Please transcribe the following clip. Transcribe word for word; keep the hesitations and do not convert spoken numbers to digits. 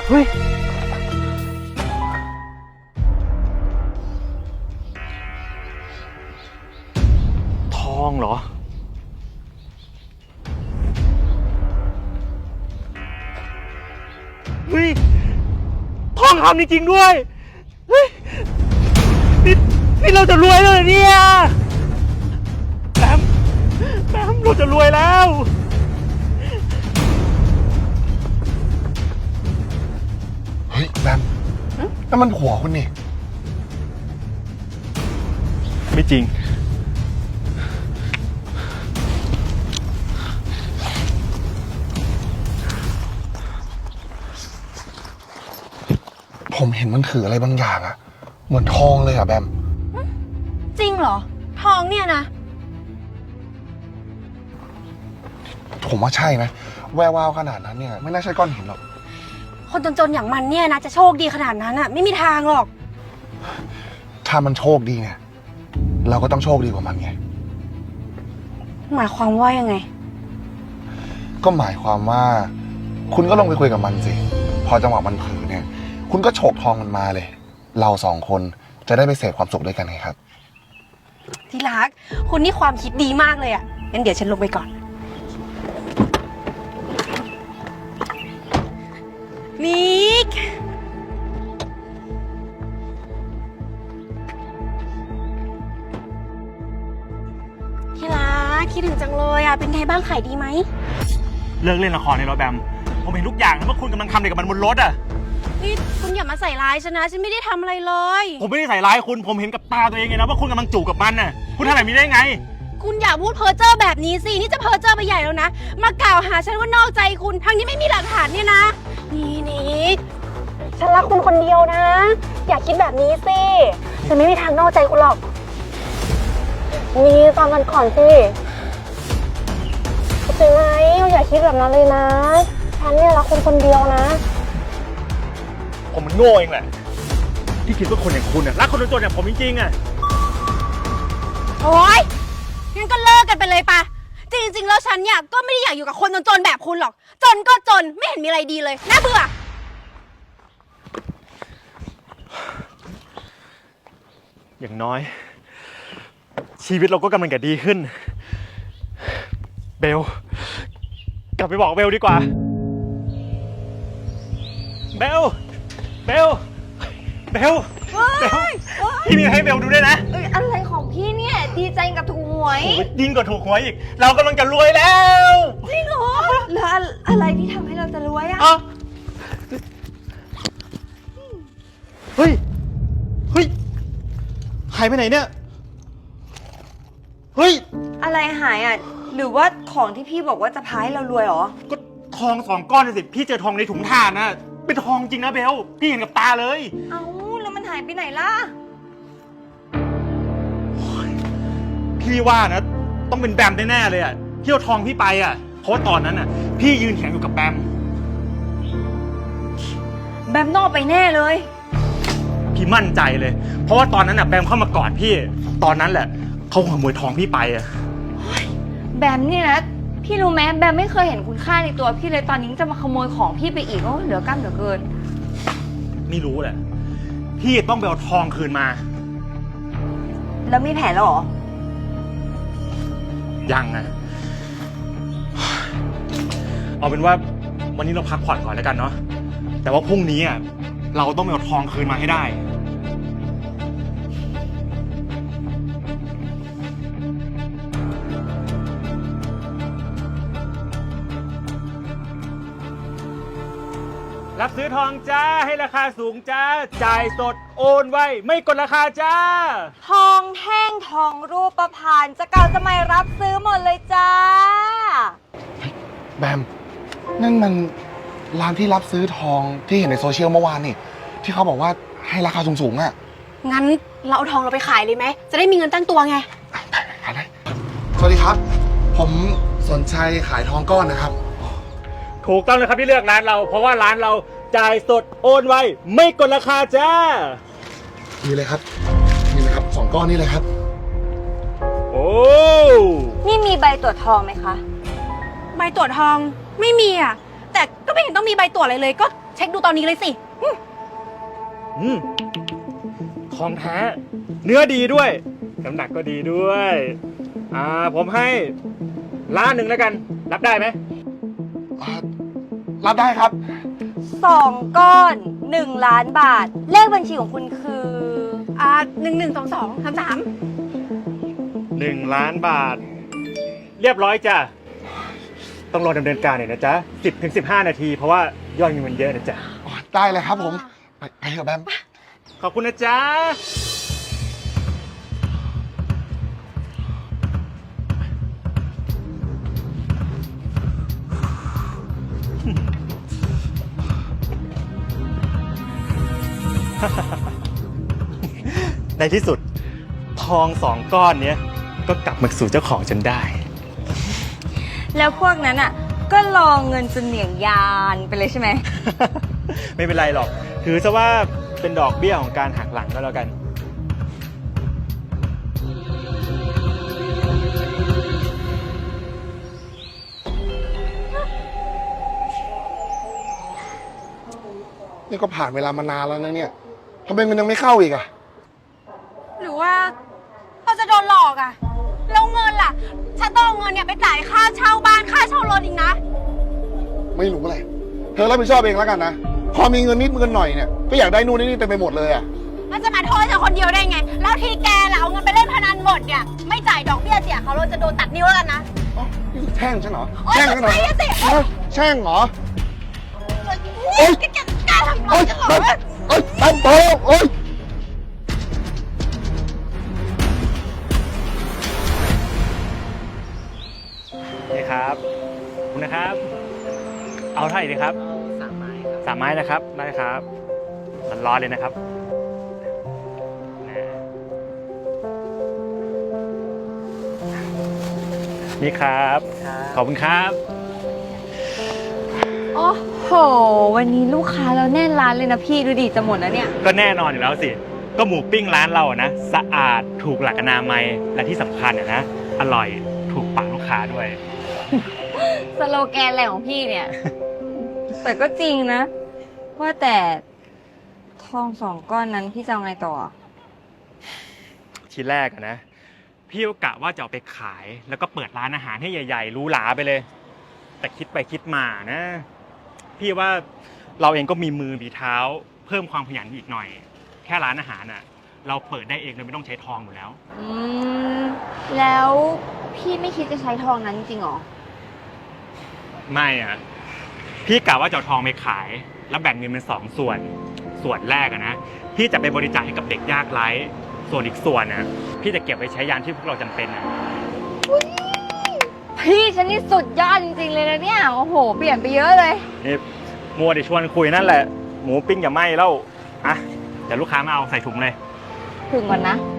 เฮ้ยทองเหรอเฮ้ยทองคำจริงๆด้วยเฮ้ยนี่นี่เราจะรวยแล้วเหรอเนี่ยแบมแบมเราจะรวยแล้วเฮ้ยแบมนั่นมันผัวคุณนี่ไม่จริงผมเห็นมันถืออะไรบางอย่างอะเหมือนทองเลยอะแบมจริงเหรอทองเนี่ยนะผมว่าใช่นะแวววาวขนาดนั้นเนี่ยไม่น่าใช่ก้อนหินหรอกคนจนๆอย่างมันเนี่ยนะจะโชคดีขนาดนั้นอะไม่มีทางหรอกถ้ามันโชคดีเนี่ยเราก็ต้องโชคดีกว่ามันไงหมายความว่ายังไงก็หมายความว่าคุณก็ลงไปคุยกับมันสิพอจังหวะมันเผลอเนี่ยคุณก็โฉกทองมันมาเลยเราสองคนจะได้ไปเสพความสุขด้วยกันไงครับที่รักคุณนี่ความคิดดีมากเลยอะงั้นเดี๋ยวฉันลงไปก่อนมิกที่รักคิดถึงจังเลยอะเป็นไงบ้างขายดีไหมเลิกเล่นละครในรถแบมผมเห็นทุกอย่างว่าคุณกำลังทำอะไรกับมันบนรถอะนี่คุณอย่ามาใส่ร้ายฉันนะฉันไม่ได้ทำอะไรเลยผมไม่ได้ใส่ร้ายคุณผมเห็นกับตาตัวเองไงนะว่าคุณกำลังจูบกับมันน่ะคุณทำแบบนี้ได้ไงคุณอย่าพูดเพ้อเจ้อแบบนี้สินี่จะเพ้อเจ้อไปใหญ่แล้วนะมากล่าวหาฉันว่านอกใจคุณทั้งนี้ไม่มีหลักฐานเนี่ยนะนี่นี่ฉันรักคุณคนเดียวนะอย่าคิดแบบนี้สิฉันไม่มีทางนอกใจคุณหรอกนี่ฟังกันก่อนสิเข้าใจไหมอย่าคิดแบบนั้นเลยนะฉันเนี่ยรักคุณคนเดียวนะผมมันโง่เองแหละที่คิดว่าคนอย่างคุณน่ะรักคนจนๆอย่างผมจริงๆอ่ะโอ๊ยงั้นก็เลิกกันไปเลยปะจริงๆแล้วฉันเนี่ยก็ไม่ได้อยากอยู่กับคนจนๆแบบคุณหรอกจนก็จนไม่เห็นมีอะไรดีเลยน่าเบื่ออย่างน้อยชีวิตเราก็กำลังจะดีขึ้นเบลกลับไปบอกเบลดีกว่าเบลเบลเบลเบลพี่มีให้เบลดูด้วยนะเอ้ยอะไรของพี่เนี่ยดีใจกับถูกหวยยิ่งกว่าถูกหวยอีกเรากำลังจะรวยแล้วจริงเหรอแล้วอะไรที่ทำให้เราจะรวยอ่ะเฮ้ยเฮ้ยหายไปไหนเนี่ยเฮ้ยอะไรหายอ่ะหรือว่าของที่พี่บอกว่าจะพาให้เรารวยหรอก็ทองสองก้อนสิพี่เจอทองในถุงถ่านนะเป็นทองจริงนะเบลพี่เห็นกับตาเลยเอ้าแล้วมันหายไปไหนล่ะพี่ว่านะต้องเป็นแบมแน่ๆเลยอ่ะที่เอาทองพี่ไปอ่ะเพราะว่าตอนนั้นอ่ะพี่ยืนแข็งอยู่กับแบมแบมนอกไปแน่เลยพี่มั่นใจเลยเพราะว่าตอนนั้นอ่ะแบมเข้ามากอดพี่ตอนนั้นแหละเขาขโมยทองพี่ไปอ่ะแบมเนี่ยนะพี่รู้ไหมแบมไม่เคยเห็นคุณค่าในตัวพี่เลยตอนนี้จะมาขโมยของพี่ไปอีกก็เหลือกล้ามเหลือเกินไม่รู้แหละพี่ต้องไปเอาทองคืนมาแล้วมีแผนแล้วหรอยังนะเอาเป็นว่าวันนี้เราพักผ่อนก่อนแล้วกันเนาะแต่ว่าพรุ่งนี้อ่ะเราต้องไปเอาทองคืนมาให้ได้รับซื้อทองจ้าให้ราคาสูงจ้าจ่ายสดโอนไว้ไม่กดราคาจ้าทองแท่งทองรูปพรรณจะเก่าจะใหม่รับซื้อหมดเลยจ้าแบมนั่นมันร้านที่รับซื้อทองที่เห็นในโซเชียลเมื่อวานนี่ที่เขาบอกว่าให้ราคาสูงๆอ่ะงั้นเราเอาทองเราไปขายเลยไหมจะได้มีเงินตั้งตัวไงไปขายเลยสวัสดีครับผมสนใจขายทองก้อนนะครับถูกต้องเลยครับที่เลือกร้านเราเพราะว่าร้านเราจ่ายสดโอนไวไม่กดราคาจ้านี่เลยครับนี่เลยครับสองก้อนนี่เลยครับโอ้นี่มีใบตรวจทองไหมคะใบตรวจทองไม่มีอ่ะแต่ก็ไม่เห็นต้องมีใบตรวจอะไรเลยก็เช็คดูตอนนี้เลยสิอืมของแท้ เนื้อดีด้วย น้ำหนักก็ดีด้วย อ่า ผมให้ล้านหนึ่งแล้วกัน รับได้ไหมอ่ารับได้ครับสองก้อนหนึ่งล้านบาท เลขบัญชีของคุณคืออ่าหนึ่งหนึ่งสองสองสามสามหนึ่งล้านบาท เรียบร้อยจ้ะ ต้องรอดำเนินการหน่อยนะจ๊ะสิบถึงสิบห้านาที เพราะว่ายอดเงินมันเยอะนะจ๊ะได้เลยครับผม ไปไปเถอะแบมขอบคุณนะจ๊ะ ในที่สุด ทองสองก้อนเนี้ยก็กลับมาสู่เจ้าของจนได้แล้วพวกนั้นอ่ะ ก็รอเงินจนเหนียงยานไปเลยใช่ไหมไม่เป็นไรหรอก ถือซะว่าเป็นดอกเบี้ยของการหักหลังก็แล้วกันนี่ก็ผ่านเวลามานานแล้วนะเนี่ยทำไมมันยังไม่เข้าอีกอะหรือว่าเราจะโดนหลอกอะแล้วเงินล่ะ ฉันต้องเอาเงินเนี่ยไปจ่ายค่าเช่าบ้านค่าเช่ารถอีกนะไม่รู้อะไร เธอรับผิดชอบเองแล้วกันนะ พอมีเงินนิดเงินหน่อยเนี่ย ก็อยากได้นู่นนี่เต็มไปหมดเลยอะมันจะมาโทษฉันคนเดียวได้ไง แล้วที่แกล่ะเอาเงินไปเล่นพนันหมดเนี่ย ไม่จ่ายดอกเบี้ยเสียเขาเราจะโดนตัดนิ้วแล้วกันนะอ๋อนี่คือแช่งฉันเหรอโอ๊ยแช่งฉันเหรอไม่ใช่สิเอ้าแช่งเหรอเฮ้ยแกแกกล้าทำร้าโอ๊ยยฉันเหรอโอ๊ยแบมโตโอ๊ยนี่ครับขอบคุณนะครับ เอาเท่าไหร่ดีครับสามไม้ครับสามไม้นะครับ ได้ครับร้อนๆเลยนะครับนี่ครับ ขอบคุณครับโอ้โห วันนี้ลูกค้าเราแน่นร้านเลยนะพี่ดูดิจะหมดแล้วเนี่ยก็แน่นอนอยู่แล้วสิ ก็หมูปิ้งร้านเราอะนะ สะอาดถูกหลักอนามัยและที่สำคัญอะนะ อร่อยถูกปากลูกค้าด้วยสโลแกนอะไรของพี่เนี่ย แต่ก็จริงนะ ว่าแต่ทองสองก้อนนั้นพี่จะเอาไงต่อทีแรกอะนะ พี่ก็กะว่าจะเอาไปขาย แล้วก็เปิดร้านอาหารให้ใหญ่ๆหรูหราไปเลย แต่คิดไปคิดมานะ พี่ว่าเราเองก็มีมือมีเท้า เพิ่มความขยันอีกหน่อย แค่ร้านอาหารน่ะ เราเปิดได้เองโดยไม่ต้องใช้ทองอยู่แล้วอืม แล้วพี่ไม่คิดจะใช้ทองนั้นจริงเหรอไม่อะพี่กะว่าจะเอาทองไปขาย แล้วแบ่งเงินเป็นสองส่วน ส่วนแรกอะนะพี่จะไปบริจาคให้กับเด็กยากไร้ส่วนอีกส่วนนะพี่จะเก็บไว้ใช้ยามที่พวกเราจำเป็นนะพี่ฉันนี่สุดยอดจริงๆเลยนะเนี่ย โอ้โห เปลี่ยนไปเยอะเลยนี่มัวแต่ชวนคุยนั่นแหละ หมูปิ้งอย่าไหม้แล้วอ่ะเดี๋ยวลูกค้ามาเอาใส่ถุงเลยถึงก่อนนะ